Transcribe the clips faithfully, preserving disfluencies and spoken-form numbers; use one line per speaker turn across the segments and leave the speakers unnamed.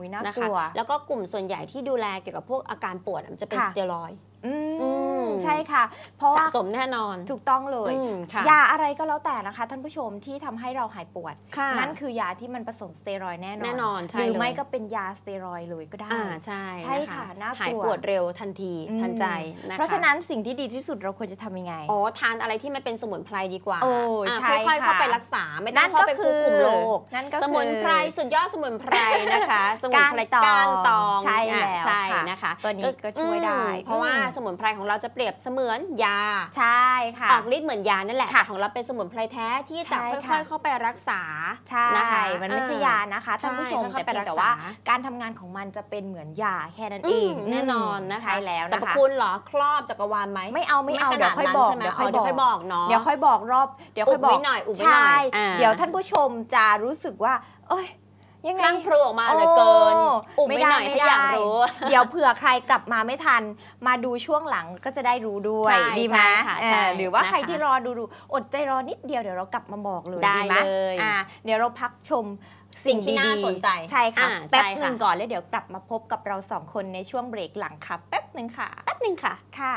นะคะแล้วก็กลุ่มส่วนใหญ่ที่ดูแลเกี่ยวกับพวกอาการปวดมันจะเป็นสเตียรอยด์
ใช่ค่ะเพราะ
สะสมแน่นอน
ถูกต้องเลยยาอะไรก็แล้วแต่นะคะท่านผู้ชมที่ทำให้เราหายปวดนั่นคือยาที่มันผสมสเตียรอยด์แน่นอนแน่นอนหรือไม่ก็เป็นยาสเตียรอยด์เลยก็ได้
ใช่
ใช่ค่ะน่ากลัว
หายปวดเร็วทันทีทันใจนะคะ
เพราะฉะนั้นสิ่งที่ดีที่สุดเราควรจะทำยังไง
อ๋อทานอะไรที่มันเป็นสมุนไพรดีกว่า
โอ้ใช่
ค่อยๆเข้าไปรักษาไม่ต้องเข้าไปควบคุมโรคสมุนไพรสุดยอดสมุนไพรนะคะสมุนไพรก้านตอง
ใช่แล้ว
ใช่นะคะ
ตัวนี้ก็ช่วยได้
เพราะว่าสมุนไพรของเราจะเปรียบเสมือนยา
ใช่ค่ะ
ออกฤทธิ์เหมือนยานั่นแหละแต่ของเราเป็นสมุนไพรแท้ที่จะค่อยๆเข้าไปรักษา
ใช่มันไม่ใช่ยานะคะท่านผู้ชมแต่เพียงแต่ว่าการทำงานของมันจะเป็นเหมือนยาแค่นั้นเอง
แน่นอนนะคะ
ใช่แล้ว
สรรพคุณเหรอครอบจักรวาลไหม
ไม่เอาไม่เอาเดี๋ยวค่อยบอกเดี๋ยวค่อยบอก
เนาะ
เดี๋ยวค่อยบอกรอบเดี๋ยวค่อยบอก
หน่อยอุบไว้
ห
น่อย
เดี๋ยวท่านผู้ชมจะรู้สึกว่าเอ้ย
ยังไงพลูออกมาเหลือเกินอุบไม่หน่อยให้อยากรู้
เดี๋ยวเผื่อใครกลับมาไม่ทันมาดูช่วงหลังก็จะได้รู้ด้วยดีไหมหรือว่าใครที่รอดูดูอดใจรอนิดเดียวเดี๋ยวเรากลับมาบอกเลย
ได้เลย
เดี๋ยวเราพักชม
สิ่งที่น่าสนใจ
ใช่ค่ะแป๊บหนึ่งก่อนแล้วเดี๋ยวกลับมาพบกับเราสองคนในช่วงเบรกหลังค่ะแป๊บหนึ่งค่ะ
แป๊บหนึ่งค่ะ
ค่ะ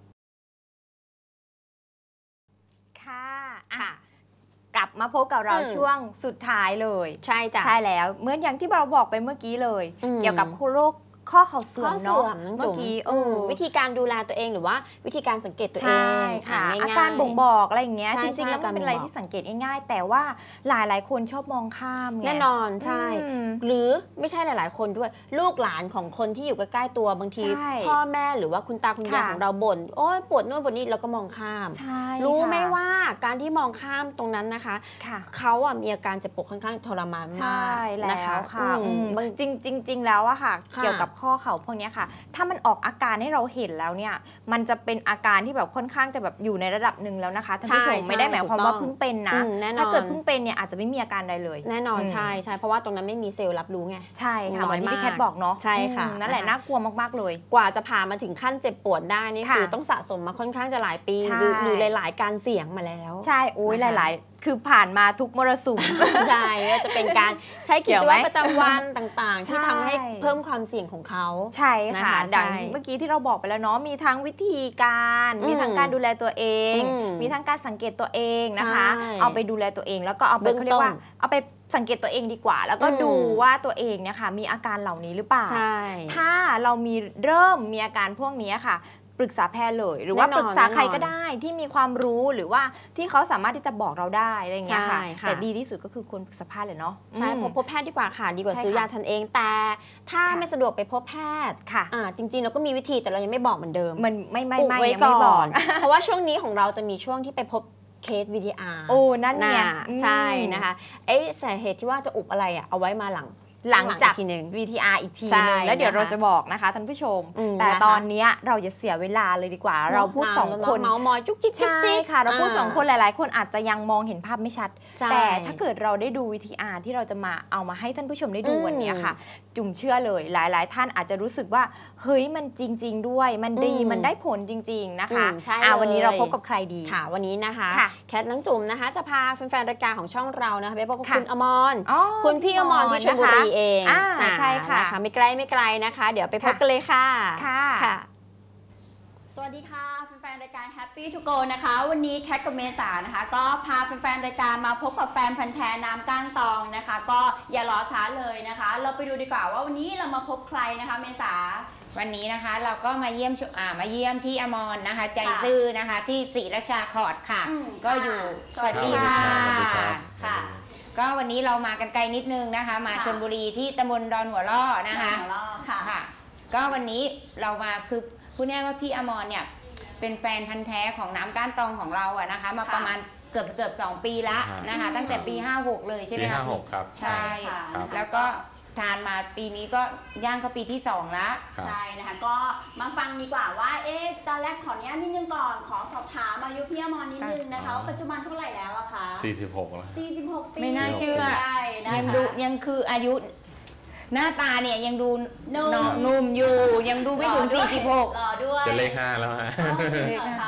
ค่ะค่ะกลับมาพบกับเราช่วงสุดท้ายเลย
ใช่จ้ะ
ใช่แล้วเหมือนอย่างที่เราบอกไปเมื่อกี้เลยเกี่ยวกับโรคข้อเข่าเสื่อมเนาะ
เมื่อกี้วิธีการดูแลตัวเองหรือว่าวิธีการสังเกตตัวเอง
ค่ะอาการบ่งบอกอะไรอย่างเงี้ยจริงๆแล้วมันเป็นอะไรที่สังเกตง่ายๆแต่ว่าหลายๆคนชอบมองข้ามไง
แน่นอนใช่หรือไม่ใช่หลายๆคนด้วยลูกหลานของคนที่อยู่ใกล้ๆตัวบางทีพ่อแม่หรือว่าคุณตาคุณยายของเราบ่นโอ๊ยปวดโน่นปวดนี่เราก็มองข้ามรู้ไหมว่าการที่มองข้ามตรงนั้นนะคะเขาอ่ะมีอาการเจ็บปวดค่อนข้างทรมานมาก
แล้วค่ะจริงจริงแล้วอะค่ะเกี่ยวกับข้อเข่าพวกนี้ค่ะถ้ามันออกอาการให้เราเห็นแล้วเนี่ยมันจะเป็นอาการที่แบบค่อนข้างจะแบบอยู่ในระดับหนึ่งแล้วนะคะท่านผู้ชมไม่ได้หมายความว่าเพิ่งเป็นนะถ้าเกิดเพิ่งเป็นเนี่ยอาจจะไม่มีอาการใดเลย
แน่นอนใช่ใช่เพราะว่าตรงนั้นไม่มีเซลล์รับรู้ไง
ใช่ค่ะเหมือนที่พี่แคทบอกเนาะ
ใช่ค่ะ
นั่นแหละน่ากลัวมากๆเลย
กว่าจะผ่านมาถึงขั้นเจ็บปวดได้นี่คือต้องสะสมมาค่อนข้างจะหลายปีหรือหลายๆการเสี่ยงมาแล้ว
ใช่โอ้ยหลายๆคือผ่านมาทุกมรสุม
ใช่ก็จะเป็นการใช้กิจวัตรประจำวันต่างๆที่ทำให้เพิ่มความเสี่ยงของเขา
ใช่ค่ะดังเมื่อกี้ที่เราบอกไปแล้วเนาะมีทั้งวิธีการมีทั้งการดูแลตัวเองมีทั้งการสังเกตตัวเองนะคะเอาไปดูแลตัวเองแล้วก็เอาไปเขาเรียกว่าเอาไปสังเกตตัวเองดีกว่าแล้วก็ดูว่าตัวเองเนี่ยค่ะมีอาการเหล่านี้หรือเปล่าถ้าเรามีเริ่มมีอาการพวกนี้ค่ะปรึกษาแพทย์เลยหรือว่าปรึกษาใครก็ได้ที่มีความรู้หรือว่าที่เขาสามารถที่จะบอกเราได้อะไรอย่างเงี้ยค่ะแต่ดีที่สุดก็คือควรปรึกษาแพทย์เลยเนาะ
ใช่พบแพทย์ดีกว่าค่ะดีกว่าซื้อยาทันเองแต่ถ้าไม่สะดวกไปพบแพทย์
ค่ะ
จริงๆเราก็มีวิธีแต่เรายังไม่บอกเหมือนเดิม
มันไม่ไม่ไม่
ยังไม่บอกเพราะว่าช่วงนี้ของเราจะมีช่วงที่ไปพบเคส วี ที อาร์
โอ้นั่นเนี่ย
ใช่นะคะเอ๊ะสาเหตุที่ว่าจะอุบอะไรอ่ะเอาไว้มาหลัง
หลังจาก วี ที อาร์ อีกทีนึงแล้วเดี๋ยวเราจะบอกนะคะท่านผู้ชมแต่ตอนนี้เราจะเสียเวลาเลยดีกว่าเราพูดสองคน
เมาส์มอยจุ๊กจิ๊ก
ใช่ค่ะเราพูดสองคนหลายๆคนอาจจะยังมองเห็นภาพไม่ชัดแต่ถ้าเกิดเราได้ดู วี ที อาร์ ที่เราจะมาเอามาให้ท่านผู้ชมได้ดูวันนี้ค่ะจุ่มเชื่อเลยหลายๆท่านอาจจะรู้สึกว่าเฮ้ยมันจริงๆด้วยมันดีมันได้ผลจริงๆนะคะวันนี้เราพบกับใครดี
ค่ะวันนี้นะคะแคทน้องจุ๋มนะคะจะพาแฟนๆรายการของช่องเรานะคะไปพบกับคุณอมรคุณพี่อมรที่ชลบุรีเอง
ใช่ค่ะ
ไม่ไกลไม่ไกลนะคะเดี๋ยวไปพบกันเลยค่ะ
ค่ะ
สวัสดีค่ะแฟนๆรายการ Happy to Go นะคะวันนี้แคทกับเมษานะคะก็พาแฟนๆรายการมาพบกับแฟนพันธุ์แท้น้ำก้านตองนะคะก็อย่ารอช้าเลยนะคะเราไปดูดีกว่าว่าวันนี้เรามาพบใครนะคะเมษา
วันนี้นะคะเราก็มาเยี่ยมอ่ามาเยี่ยมพี่อมรนะคะใจซื่อนะคะที่ศรีราชาคอร์ดค่ะก็อยู่สวัสดีค่ะค่ะก็วันนี้เรามากันไกลนิดนึงนะคะมาชลบุรีที่ตำบลดอนหัวล่อนะคะค่ะก็วันนี้เรามาคือพูดง่ายว่าพี่อมรเนี่ยเป็นแฟนพันธุ์แท้ของน้ำก้านตองของเราอะนะคะมาประมาณเกือบเกือบสองปีละนะคะตั้งแต่ปีห้าหกเลยใช่ไหมคะ
ปีห้าหกครับ
ใช่แล้วก็ทานมาปีนี้ก็ย่างเข้าปีที่สองแล้ว
ใช่นะคะก็มาฟังดีกว่าว่าเอ๊ะตอนแรกขออนุญาตนิดนึงก่อนขอสอบถามอายุพี่อมรนิดนึงนะคะปัจจุบันเท่าไหร่แล้วอะคะ
สี่สิบหกแล้ว
สี่สิบหกปี
ไม่น่าเชื่อยังดูยังคืออายุหน้าตาเนี่ยยังดูนุ่มอยู่ยังดูไม่ถึงสี่สิบหก
ด้วย
จะเลขห้าแล้วฮะ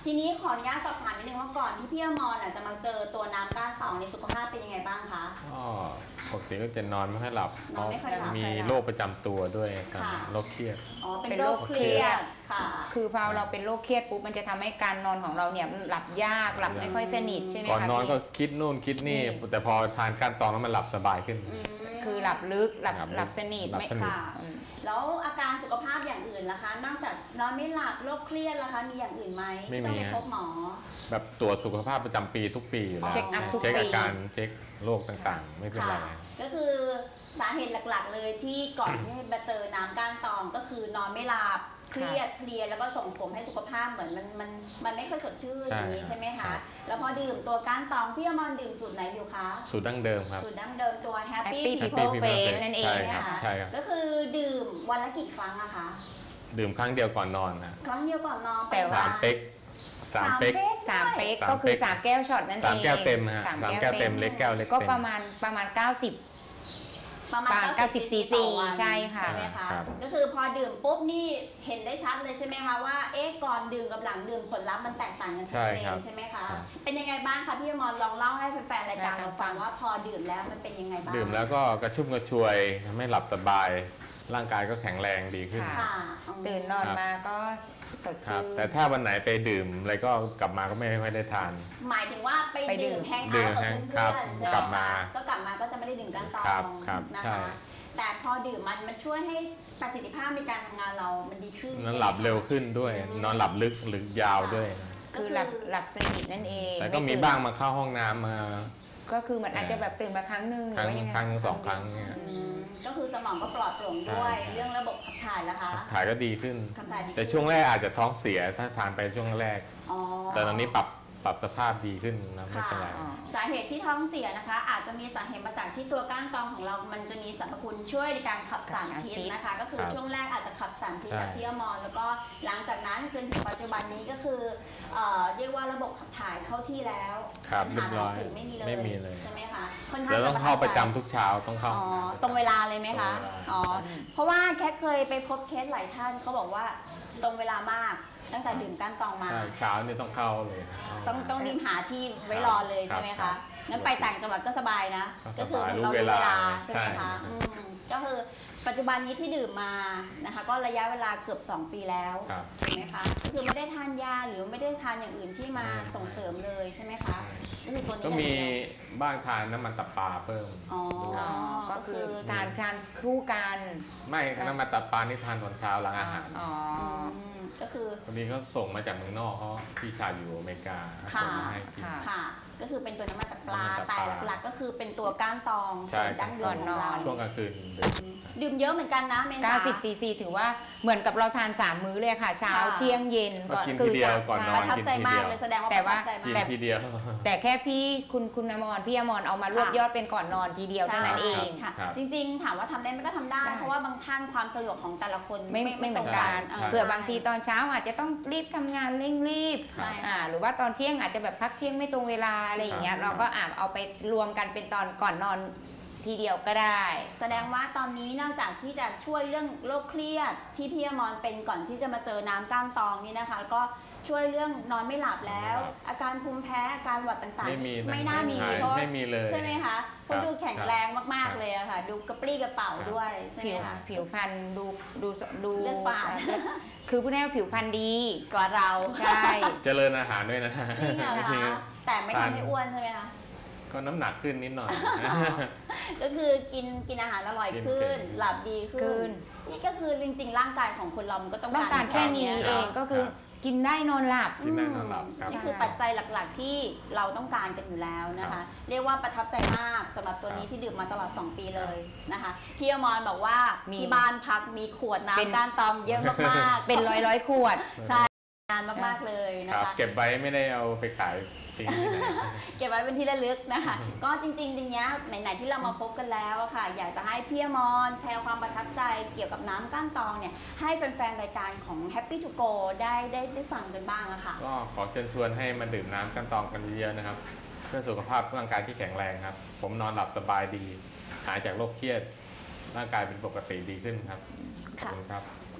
ทีนี้ขออนุญาตสอบถามนิดนึงว่าก่อนที่พี่อมรอ่ะจะมาเจอตัวน้ำก้านตองในสุขภาพเป็นยังไงบ้างคะ
ก็ปกติก็จะนอนไม่ค่อยหลับ
นอนไม่ค่อยหลับ
มีโรคประจำตัวด้วยครับ
ค่ะ
โรคเครียด
อ๋อเป็นโรคเครียดค่ะ
คือพอเราเป็นโรคเครียดปุ๊บมันจะทำให้การนอนของเราเนี่ยหลับยากหลับไม่ค่อยสนิทใช่ไหมคะ
ก่อนนอน
พี่
ก็คิดนู่นคิดนี่ แต่พอทานก้านตองแล้วมันหลับสบายขึ้น
อืม
คือหลับลึกหลับ
หลับลึก
หลับสนิท
หลับ
ไม่
สนิท
ค่ะ
อืม
แล้วอาการสุขภาพอย่างอื่นล่ะคะ นอกจากนอนไม่หลับโรคเครียดล่ะคะ มีอย่างอื่นไหม
ไม่
ที่ต้อง
มี
ไป
ฮะ
พบหมอ
แบบตรวจสุขภาพประจำปีทุกปีอยู่แล้ว
เช็คอัพทุก
เช็ค
ปี
อาการเช็คโรคต่างๆ ไม่เป็นไร
ค่ะ ก็คือสาเหตุหลักๆ เลยที่ก่อนที่มาเจอน้ำก้านตองก็คือนอนไม่หลับเครียดเพลียแล้วก็ส่งผลให้สุขภาพเหมือนมันมันมันไม่ค่อยสดชื่น
ใช่
อย่างนี้ใช่ไหม
ครั
คะ
บ
แล้วพอดื่มตัวก้านตองพี่อมรดื่มสูตรไหนอยู่คะ
สูตรดั้งเดิมครับ
สูตรดั้งเดิมตัว Happy
Happy
People
People
Face
Face นั่นเอง
ใช่
นะ
ครับ
คะ
ใช่ครับ
ก็คือดื่มวันละกี่ครั้งอะคะ
ดื่มครั้งเดียวก่อนนอนนะ
ครั้งเดียวก่อนนอน
แต่ว่า
สามเป๊กสามเป๊ก
สามเป๊ก
สาม
ก็คือ
เป๊ก
สามแก้วช็อตนั่นเอง
สามแก้วเต็มฮะ
สาม
สาม
แก้
แก้
ว
ว
เต็
เต็
ม
มเล็กแก้วเล็ก
ก็
เต็ม
ประมาณประมาณเก้าสิบ
ประมาณ
ประมาณ
เก้าสิบ
เก้าสิบ
ซีซีต่อวัน
ใช่ค่ะ
ใช่ไหมคะ
ครับ
ก็คือพอดื่มปุ๊บนี่เห็นได้ชัดเลยใช่ไหมคะว่าเอ๊ะก่อนดื่มกับหลังดื่มผลลัพธ์มันแตกต่างกันชัดเจ
ใช่ครั
น
บ
ใช่ไหมคะ
ครับ
เป็นยังไงบ้างคะพี่อมรลองเล่าให้แฟนๆรายการเราฟังว่าพอดื่มแล้วมันเป็นยังไงบ้าง
ดื่มแล้วก็กระชุ่มกระชวยทำให้หลับสบาย ร่างกายก็แข็งแรงดีขึ้น
ค่ะ
ค่ะอืม
ตื่นนอนมาก็สด
ครับ
ชื่น
แต่ถ้าวันไหนไปดื่มอะไรก็กลับมาก็ไม่ค่อยได้ทาน
หมายถึงว่าไป
ไปดื่
ดื่
ม
มแฮง
ดื่
เอา
ม
ท์กับ
แฮง
เพื่
ครั
อบ นๆใช่ไหม
กลับมา
คะก็กลับมาก็จะไม่ได้ดื่มก้านตอ
ครับ
ง
ครับ
นะ
ใช่
คะแต่พอดื่มมันมันช่วยให้ประสิทธิภาพในการทำงานเรามันดีขึ้น
นอนหลับเร็วขึ้นด้วย
อืม
นอนหลับลึกหรือยาวด้วย
คือหลับหลับสนิทนั่นเอง
แต่ก็
ไ
มีบ้างมาเข้าห้องน้ำมา
ก็คือเหมือนอาจจะแบบตื่นมาครั้งหนึ่งห
ครั้ง
รือว่ายังไง
ครั้งสองครั้งเนี่ย
อืมก็คือสมองก็ปลอดโปร่งด้วย
ใช่
เรื่องระบบขับถ่ายแล้วคะ
ถ่ายก็ดีขึ้น
ขับถ่ายดีขึ้น
แต่ช่วงแรกอาจจะท้องเสียถ้าทานไปช่วงแรก
อ๋อ
แต่ตอนนี้ปรับปรับสภาพดีขึ้นนะไม่เป็นไร
อ๋อ
สาเหตุที่ท้องเสียนะคะ อาจจะมีสาเหตุมาจากที่ตัวก้านตองของเรา มันจะมีสรรพคุณช่วยในการขับสารพิษนะคะ ก็คือ
ครับ
ช่วงแรกอาจจะขับสารพิษ
ใช่
จากพี่อมรแล้วก็หลังจากนั้นจนถึงปัจจุบันนี้ก็คือเอ่อเรียกว่าระบบขับถ่ายเข้าที่แล้ว
ครับ
ปัญ
เรีย
หา
บร้อย
อื่นไม่มีเลย
ไม่มีเลย
ใช่ไหมคะค่อนข้าง
เดี๋ยวต้องเข้าประจำ
ใจ
ทุกเช้าต้องเข้า
อ๋อตรงเวลาเลยไหมคะ
ตรงเวลา
อ๋อ เพราะว่าแค่เคยไปพบเคสหลายท่านเขาบอกว่าตรงเวลามากตั้งแต่ดื่มก้านตองมา
ใช่เช้านี่ต้องเข้าเลย
ต้องต้องรีบหาที่ไว้รอเลย
ครับ
ใช่ไหม
ครั
คะ
บ
งั้นไปต่างจังหวัดก็สบายนะ
ก็
ก็
ส
คื
บาย
เรา
รู้
รู้
เว
เว
ลา
ลาใช่ไหม
ใช่
คะอืมก็คือปัจจุบันนี้ที่ดื่มมานะคะ ก็ระยะเวลาเกือบสองปีแล้ว
ครับ
ถูกไหมคะก็คือไม่ได้ทานยาหรือไม่ได้ทานอย่างอื่นที่มาส่งเสริมเลยใช่ไหมคะก็คือตัวนี้
ก็
อย่าง
มี
เดียว
บ้างทานน้ำมันตับปลาเพิ่ม
อ๋อ
ด้วย
อ๋อก็คือ
ก็คือ
การการคู่กัน
ไม่น้ำมันตับปลานี่ทานตอนเช้าหลังอาหาร
อ๋อ
อืมก็คือ
วันนี้เขาส่งมาจากเมืองนอกเขาพี่ชายอยู่อเมริกา
ค่ะ
ส่งมาให้กิน
ค่ะ
ค่ะ ก็คือเป็นตัวน้ำมันตับปลา
น้ำมันตับ
แต่
ปลา
หลักๆ ก็คือเป็นตัวก้านตอง
ใช่
สูตรดั้งเดิมของเรา
ช่วงกลางคืนดื่ม
ดื่มเยอะเหมือนกันนะเมน
เก้าสิบซีซีถือว่าเหมือนกับเราทานสามมื้อเลยค่ะ เช้า
ค่ะ
เที่ยงเย็น
ก็กินทีเดียวก่อนนอน
ประทับใจมาก
กินทีเดียว
เลยแสดงว่า
แต่
ประ
ว่า
ทับใจมา
กิน
ก
ทีเดียว
แต่แค่พี่คุณคุณอมรพี่อมรเอามารวบ
ค่ะ
ยอดเป็นก่อนนอนทีเดียวเท่านั้นเอง
ค่ะ
ครับ
จริงๆ ถามว่าทำได้ไหมก็ทำได้
ได้
เพราะว่าบางท่านความสะดวกของแต่ละคน
ไม่ไม่เหมือนกัน
ตรง
ใช่
เผื่อบางทีตอนเช้าอาจจะต้องรีบทำงานเร่งรีบ
ใช่
อ่าหรือว่าตอนเที่ยงอาจจะแบบพักเที่ยงไม่ตรงเวลาอะไรอย่างเงี้ย
ครับ
เราก็อาจเอาไปรวมกันเป็นตอนก่อนนอนทีเดียวก็ได้
แสดงว่าตอนนี้นอกจากที่จะช่วยเรื่องโรคเครียดที่พี่อมรเป็นก่อนที่จะมาเจอน้ำก้านตองนี่นะคะ ก็ช่วยเรื่องนอนไม่หลับแล้ว อาการภูมิแพ้อาการหวัดต่าง
ไม่มี
ๆ
นะ
ไม่น่ามี
หาย
เพราะ
ไม่มีเลย
ใช่ไหมคะเขา
ครับ
ดูแข็งแรงมาก
ครับ
ๆเลยอะค่ะ ดูกระปรี้กระเป๋า
ครับ
ด้วยใช่ไห
ผิ
ม
ว
คะ
ผิวพรรณดูดูดู
เลือดฝาด
เลือดคือพูดง่ายๆว่าผิวพรรณดี
กว่าเรา
ใช่
เจริญอาหารด้วยนะ
จริงเหรอ
จริง
คะแต่ไม่ทำให้อ้วนใช่ไหมคะ
ก็น้ำหนักขึ้นนิดหน่อย
ก็คือกินกินอาหารอร่อยขึ้น
กินเก่ง
หลับดีขึ้
ขึ้
น
น
นี่ก็คือจริงๆ ร่างกายของคนเรามันก็ต้อง
ต้องการแค่นี้
นี้
เองก็คือกินได้นอนหลับ
กินได้นอนหลับครับ
นี่คือปัจจัยหลักๆที่เราต้องการกันอยู่แล้วนะ
ครั
คะ
บ
เรียกว่าประทับใจมากสำหรับตัวนี้
ครับ
ที่ดื่มมาตลอด สอง ปีเลยนะคะพี่อมรบอกว่า
มี
ที่บ้านพักมีขวด
เป็น
น้ำก้านตองเยอะมากๆ
เป็นร้อยร้อยๆขวด
ใช่นานมากๆเลยนะ
ครับ
คะ
เก็บไว้ไม่ได้เอาไปขายทิ้งที่ไหน
เก็บไว้เป็นที่ระลึกนะคะ ก็จริงๆทีเนี้ยไหนๆที่เรามาพบกันแล้วอะค่ะ อยากจะให้พี่อมรแชร์ความประทับใจเกี่ยวกับน้ำก้านตองเนี่ยให้แฟนๆรายการของ Happy to Go ได้ได้ได้ฟังกันบ้างอะค่ะ
ก็ขอเชิญชวนให้มาดื่มน้ำกันตองกันเยอะๆนะครับ เพื่อสุขภาพร่างกายที่แข็งแรงครับ ผมนอนหลับสบายดี หายจากโรคเครียด ร่างกายเป็นปกติดีขึ้นครับขอบคุณครับ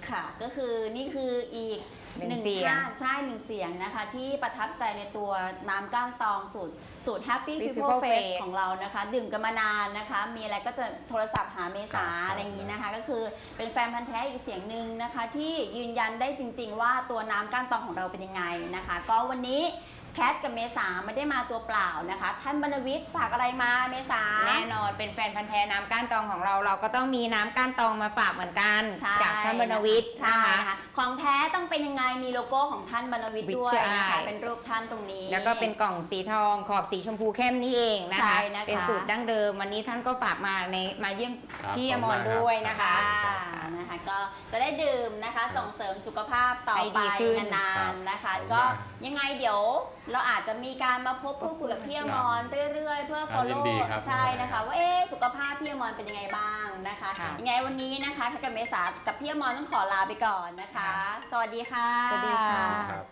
ค่ะก็คือนี่คืออีก
หนึ่ง
หนึ่ง
เสียง
ท่านใช่หนึ่งเสียงนะคะที่ประทับใจในตัวน้ำก้านตองสูตรสูตร Happy People
People
Face
Face
ของเรานะคะ ดื่มกันมานานนะคะ มีอะไรก็จะโทรศัพท์หาเมษาอะไรอย่างนี้นะคะ ก็คือเป็นแฟนพันธ์แท้อีกเสียงหนึ่งนะคะ ที่ยืนยันได้จริงๆว่าตัวน้ำก้านตองของเราเป็นยังไงนะคะ ก็วันนี้แคทกับเมษาไม่ได้มาตัวเปล่านะคะท่านบรรณวิทย์ฝากอะไรมาเมษา
แน่นอนเป็นแฟนพันธ์แท้น้ำก้านตองของเราเราก็ต้องมีน้ำก้านตองมาฝากเหมือนกันจากท่านบรรณวิทย์
ใช่
นะคะ
ค่ะของแท้ต้องเป็นยังไงมีโลโก้ของท่านบรรณวิทย์ด้วยนะคะเป็นรูปท่านตรงนี้
แล้วก็เป็นกล่องสีทองขอบสีชมพูเข้มนี่เองนะคะ
นะคะ
เป็นสูตรดั้งเดิมวันนี้ท่านก็ฝากมาในมาเยี่ยมพี่อมรด้วยนะคะ
นะคะก็จะได้ดื่มนะคะส่งเสริมสุขภาพต่อไปนานๆนะคะก็ยังไงเดี๋ยวเราอาจจะมีการมาพบพูดคุยกับพี่อมรเรื่อยๆเพื่อ follow ใช่นะคะว่าเอ๊สุขภาพพี่อมรเป็นยังไงบ้างนะคะยังไงวันนี้นะคะถ้ากับเมษากับพี่อมรต้องขอลาไปก่อนนะคะสวัสดีค่ะ
สวัสดีค่ะ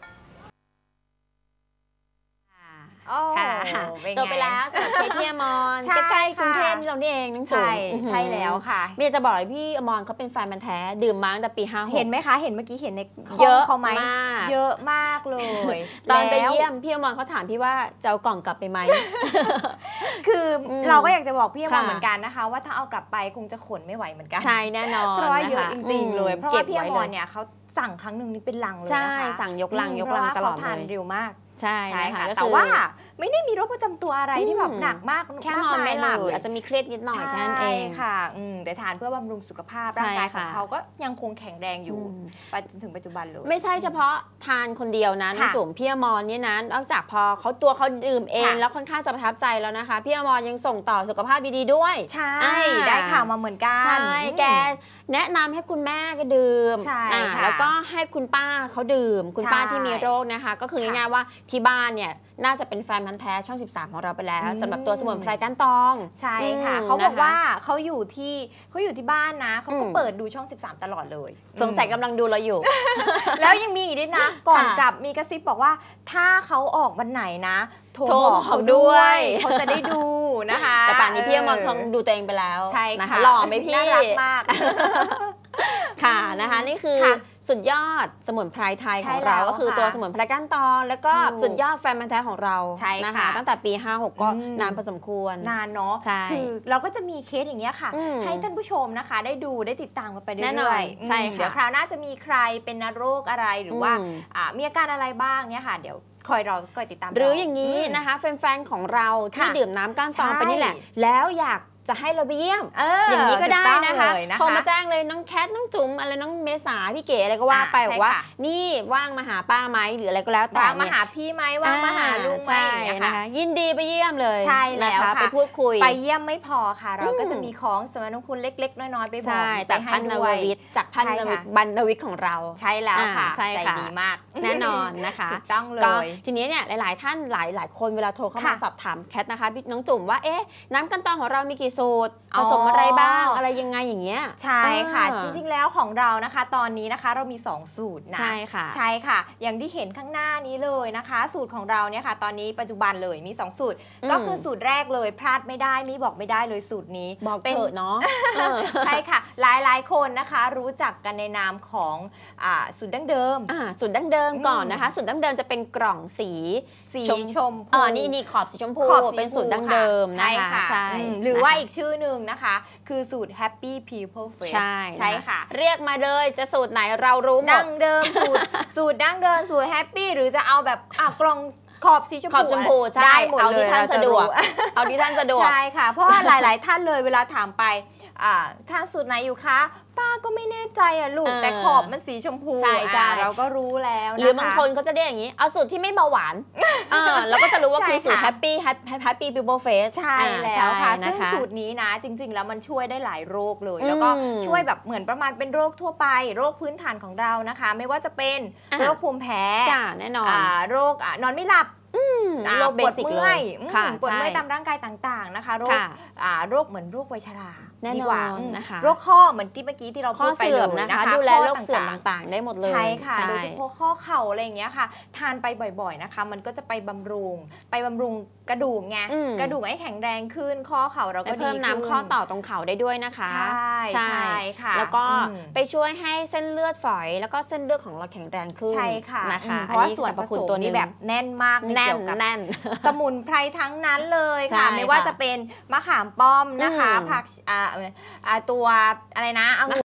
จบไปแล้วสำหรับเคสพี่อมรใกล้ๆกรุงเทพเรานี่เองน้องจุ๋ม
ใช่แล้วค่ะ
เมียจะบอกเลยพี่อมรเขาเป็นแฟนมันแท้ดื่มมาตั้งแต่ปีห้าหก
เห็นไหมคะเห็นเมื่อกี้เห็นใน
เยอะ
เขาไหมเยอะมากเลย
ตอนไปเยี่ยมพี่อมรเขาถามพี่ว่าจะเอากล่องกลับไปไหม
คือเราก็อยากจะบอกพี่อมรเหมือนกันนะคะว่าถ้าเอากลับไปคงจะขนไม่ไหวเหมือนกัน
ใช่แน่นอน
เพราะว่าเยอะจริงๆเลยเพราะว่าพี่อมรเนี่ยเขาสั่งครั้งหนึ่งนี่เป็นลังเลยนะคะ
ใช่สั่งยกลังยกลังตลอดเลย
เขาทานเร็วมาก
ใช่ค่ะ
แต่ว่าไม่ได้มีโรคประจำตัวอะไรที่แบบหนักมาก
แค่นอนไม่หลับอาจจะมีเครียดนิดหน่อยแค่นั้นเอง
ค่ะแต่ทานเพื่อบำรุงสุขภาพร่างกายของเขาก็ยังคงแข็งแรงอยู่ไปจนถึงปัจจุบันเลย
ไม่ใช่เฉพาะทานคนเดียวนะน้องจุ๋มพี่อมรเนี่ยนะนอกจากพอเขาตัวเขาดื่มเองแล้วค่อนข้างจะประทับใจแล้วนะคะพี่อมรยังส่งต่อสุขภาพดีๆด้วย
ใช่ได้ข่าวมาเหมือนกัน
ใช่แกแนะนำให้คุณแม่ก็ดื่มแล้วก็ให้คุณป้าเขาดื่มคุณป้าที่มีโรคนะคะก็คือง่ายๆว่าที่บ้านเนี่ยน่าจะเป็นแฟนพันธ์แท้ช่องสิบสามของเราไปแล้วสำหรับตัวสมุนไพรก้านตอง
ใช่ค่ะเขาบอกว่าเขาอยู่ที่เขาอยู่ที่บ้านนะเขาก็เปิดดูช่องสิบสามตลอดเลย
สงสัยกำลังดูเราอยู่
แล้วยังมีอีกด้วยนะก่อนกลับมีกระซิบบอกว่าถ้าเขาออกวันไหนนะโทรบอกเขาด้วยเขาจะได้ดูนะคะ
แต่ป่านนี้พี่อมรคงดูตัวเองไปแล้ว
ใช่ค่ะ
หล่อไหมพี่
น่ารักมาก
ค่ะนะคะนี่คือสุดยอดสมุนไพรไทยของเราก็คือตัวสมุนไพรก้านตองแล้วก็สุดยอดแฟนพันธ์แท้ของเรานะคะตั้งแต่ปีห้าหกก็นานพอสมควร
นานเนาะคือเราก็จะมีเคสอย่างเงี้ยค่ะให้ท่านผู้ชมนะคะได้ดูได้ติดตามกันไปเรื่อย
ๆใช่ค่ะ
เดี๋ยวคราวหน้าจะมีใครเป็นโรคอะไรหรือว่ามีอาการอะไรบ้างเนี่ยค่ะเดี๋ยวคอยเราคอยติดตาม
หรืออย่างนี้นะคะแฟนๆของเราที่ดื่มน้ำก้านตองไปนี่แหละแล้วอยากจะให้เราไปเยี่ยม
อ,
อ, อย่างนี้ก็ได้นะคะ
นะคะ
โทรมาแจ้งเลยน้องแคทน้องจุ๋มอะไรน้องเมษาพี่เก๋อะไรก็ว่าไปบอกว่านี่ว่างมาหาป้าไหมหรืออะไรก็แล้วแต่
ว่างมาหาพี่ไหมว่างมาหาลุงไหม
นะคะยินดีไปเยี่ยมเลย
ใช่แล้วค่ะ
ไปพูดคุย
ไปเยี่ยมไม่พอค่ะเราก็จะมีของสมนาคุณเล็กๆน้อยๆไปบอก
จากพันนววิทย์จากพันนวิทย์บรรณวิทย์ของเรา
ใช่แล้วค่ะ
ใช่
ใจดีมาก
แน่นอนนะคะ
ต้องเลย
ทีนี้เนี่ยหลายๆท่านหลายหลายคนเวลาโทรเข้ามาสอบถามแคทนะคะน้องจุ๋มว่าเอ๊ะน้ำก้านตองของเรามีกี่สูตรผสมอะไรบ้างอะไรยังไงอย่างเงี้ย
ใช่ค่ะจริงๆแล้วของเรานะคะตอนนี้นะคะเรามีสองสูตรนะ
ใช่ค่ะ
ใช่ค่ะอย่างที่เห็นข้างหน้านี้เลยนะคะสูตรของเราเนี่ยค่ะตอนนี้ปัจจุบันเลยมีสองสูตรก็คือสูตรแรกเลยพลาดไม่ได้มีบอกไม่ได้เลยสูตรนี้
บอกเถอะเนาะ
ใช่ค่ะหลายๆคนนะคะรู้จักกันในนามของสูตรดั้งเดิม
สูตรดั้งเดิมก่อนนะคะสูตรดั้งเดิมจะเป็นกล่องสี
สีชมพู
อ๋อนี่นี่ขอบสีชมพูเป็นสูตรดั้งเดิมนะคะใช่
หรือว่าอีกชื่อหนึ่งนะคะคือสูตร Happy People Face
ใช่
ใช่ค่ะ
เรียกมาเลยจะสูตรไหนเรารู้หมด
ดั้งเดิมสูตรสูตรดั้งเดิมสูตร Happy หรือจะเอาแบบกล่องขอบสีชมพู
ได้หมดเลยเอาที่ท่านสะดวกเอาที่ท่านสะดวก
ใช่ค่ะเพราะว่าหลายๆท่านเลยเวลาถามไปท่านสูตรไหนอยู่คะป้าก็ไม่แน่ใจอ่ะลูกแต่ขอบมันสีชมพู
ใช่ใช่
เราก็รู้แล้ว
หรือบางคนเขาจะเรียกอย่างนี้เอาสูตรที่ไม่เบาหวานแล้วก็จะรู้ว่าคือสูตร Happy Happy People Face
ใช่แล้วค่ะซึ่งสูตรนี้นะจริงๆแล้วมันช่วยได้หลายโรคเลยแล้วก็ช่วยแบบเหมือนประมาณเป็นโรคทั่วไปโรคพื้นฐานของเรานะคะไม่ว่าจะเป็นโรคภูมิแพ้
แน่นอน
โรคนอนไม่หลับ
โรคเบสิกเลย
ปวดเมื่อยตามร่างกายต่างๆนะคะโรคโรคเหมือนโรควัยชรา
แน่นอน
ดีกว่า
นะคะ
โรคข้อเหมือนที่เมื่อกี้ที่เรา
ข้
พู
อ
ดไป
เสื่
เล
อม
ย
นะ
นะคะ คะ
ดูแล
ข้อ
โรคเสื่อม
ต่างๆ
ต่างๆ ได้หมดเลย
ใช่ค่ะ
ใช่
โดยเฉพาะข้อเข่าอะไรอย่างเงี้ยค่ะ ทานไปบ่อยๆนะคะ มันก็จะไปบำรุง ไปบำรุงกระดูกไง
อืม
กระดูกให้แข็งแรงขึ้น ข้อเข่าเรา
ไป
ก็ดี
เพิ่ม
ขึ้น
น้ำข้อต่อตรงเข่าได้ด้วยนะคะ
ใช่ใช่ค่ะ
แล้วก็
อืม
ไปช่วยให้เส้นเลือดฝอย แล้วก็เส้นเลือดของเราแข็งแรงขึ้น
ใช่ค่ะ
นะคะ
อืมเพราะว่า
อั
ส่วนผ
รรพคุ
ส
ณ
ม
ตัว
นี่
นี้
แบบแน่นมาก
แน่น
เกี่ยวกับ
แน่น
สมุนไพรทั้งนั้นเลย
ใช่
ค่ะ ไม่ว่า
ค่ะ
จะเป็นมะขามป้อมนะคะ
อืม
ผักอ่าอ่าตัวอะไรนะองุ่น